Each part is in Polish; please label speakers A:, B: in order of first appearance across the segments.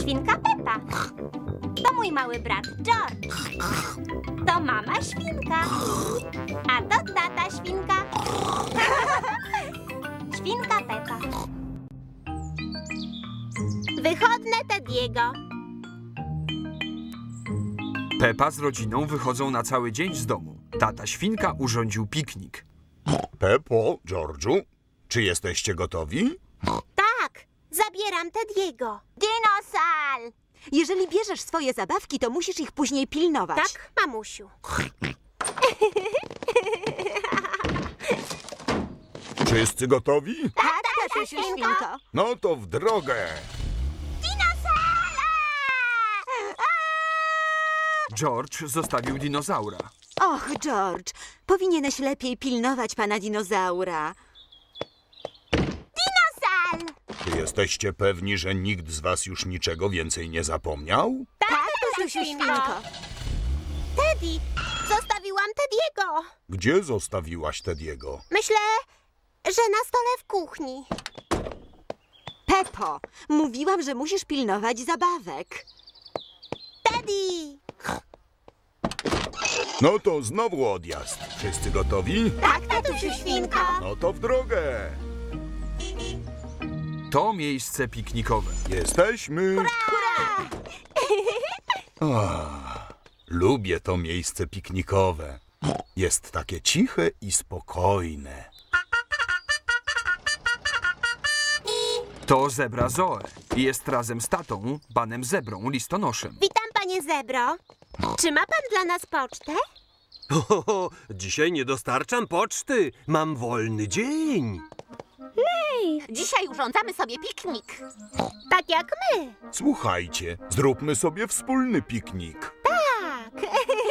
A: świnka Pepa. To mój mały brat George. To mama świnka. A to tata świnka. Świnka Pepa. Wychodne Tediego.
B: Pepa z rodziną wychodzą na cały dzień z domu. Tata świnka urządził piknik.
C: Peppo, George'u, czy jesteście gotowi?
A: Tak, zabieram Tediego. Dinosal!
D: Jeżeli bierzesz swoje zabawki, to musisz ich później pilnować.
A: Tak, mamusiu.
C: Wszyscy gotowi?
A: Tak,
D: Tatusiu świnko.
C: No to w drogę.
B: George zostawił dinozaura.
D: Och, George, powinieneś lepiej pilnować pana dinozaura.
A: Dinosal!
C: Czy jesteście pewni, że nikt z was już niczego więcej nie zapomniał?
A: Tak,
D: Tatusiu świnko.
A: Teddy! Zostawiłam Tediego.
C: Gdzie zostawiłaś Tediego?
A: Myślę, że na stole w kuchni.
D: Peppo, mówiłam, że musisz pilnować zabawek.
A: Teddy!
C: No to znowu odjazd. Wszyscy gotowi?
A: Tak, tatusiu świnko.
C: No to w drogę.
B: To miejsce piknikowe.
C: Jesteśmy. Lubię to miejsce piknikowe. Jest takie ciche i spokojne.
B: To zebra Zoe i jest razem z tatą, panem zebrą, listonoszem.
A: Witam, panie zebro. Czy ma pan dla nas pocztę?
E: Dzisiaj nie dostarczam poczty. Mam wolny dzień.
A: Dzisiaj urządzamy sobie piknik. Tak jak my.
C: Słuchajcie, zróbmy sobie wspólny piknik.
A: Tak.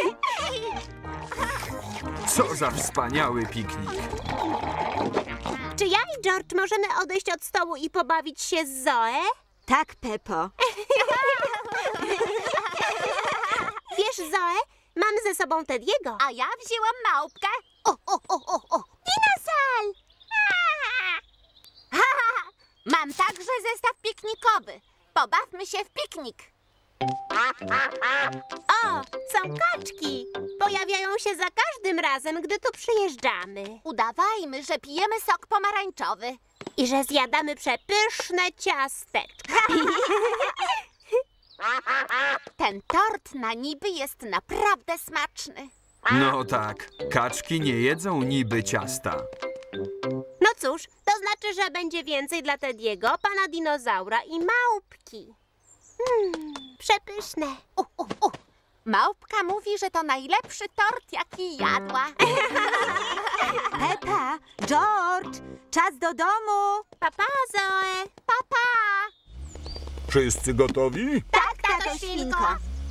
B: Co za wspaniały piknik.
A: Czy ja i George możemy odejść od stołu i pobawić się z Zoe?
D: Tak, Peppo.
A: Wiesz, Zoe, mam ze sobą Tediego. A ja wzięłam małpkę. Dinosal! Mam także zestaw piknikowy. Pobawmy się w piknik. O, są kaczki. Pojawiają się za każdym razem, gdy tu przyjeżdżamy. Udawajmy, że pijemy sok pomarańczowy. I że zjadamy przepyszne ciasteczka. Ten tort na niby jest naprawdę smaczny.
B: No tak, kaczki nie jedzą niby ciasta.
A: No cóż, to znaczy, że będzie więcej dla Tediego, pana dinozaura i małpki. Przepyszne. Małpka mówi, że to najlepszy tort, jaki jadła.
D: Peppa, George, czas do domu.
A: Papa, Zoe. Papa.
C: Wszyscy gotowi?
A: Tak, tato świnko.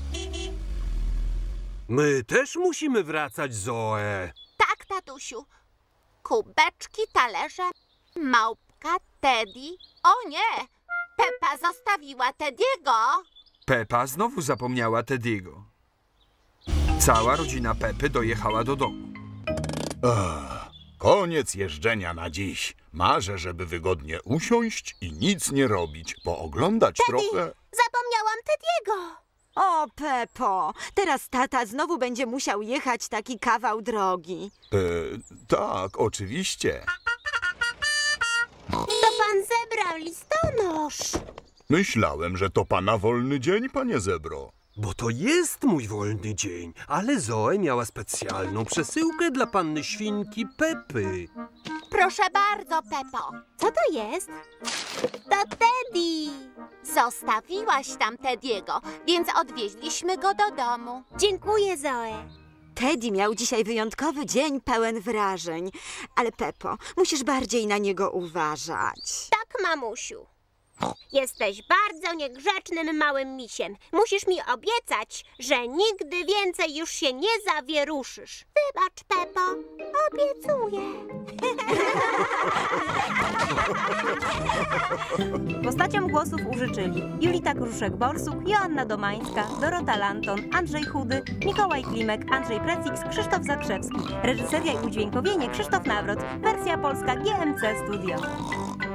E: My też musimy wracać, Zoe.
A: Tak, tatusiu. Kubeczki, talerze, małpka, Teddy. O nie, Peppa zostawiła Tediego.
B: Pepa znowu zapomniała Tediego. Cała rodzina Pepy dojechała do domu.
C: Koniec jeżdżenia na dziś. Marzę, żeby wygodnie usiąść i nic nie robić, pooglądać trochę.
A: Zapomniałam Tediego.
D: O, Peppo, teraz tata znowu będzie musiał jechać taki kawał drogi.
C: Tak, oczywiście.
A: To pan zebrał listonosz.
C: Myślałem, że to pana wolny dzień, panie zebro.
E: Bo to jest mój wolny dzień, ale Zoe miała specjalną przesyłkę dla panny świnki Pepy.
A: Proszę bardzo, Peppo. Co to jest? To Teddy. Zostawiłaś tam Tediego, więc odwieźliśmy go do domu. Dziękuję, Zoe.
D: Teddy miał dzisiaj wyjątkowy dzień pełen wrażeń. Ale Peppo, musisz bardziej na niego uważać.
A: Tak, mamusiu. Jesteś bardzo niegrzecznym małym misiem. Musisz mi obiecać, że nigdy więcej już się nie zawieruszysz. Wybacz, Peppo. Obiecuję.
F: Postaciom głosów użyczyli Julita Kruszek-Borsuk, Joanna Domańska, Dorota Lanton, Andrzej Chudy, Mikołaj Klimek, Andrzej Precix, Krzysztof Zakrzewski. Reżyseria i udźwiękowienie Krzysztof Nawrot. Wersja polska GMC Studio.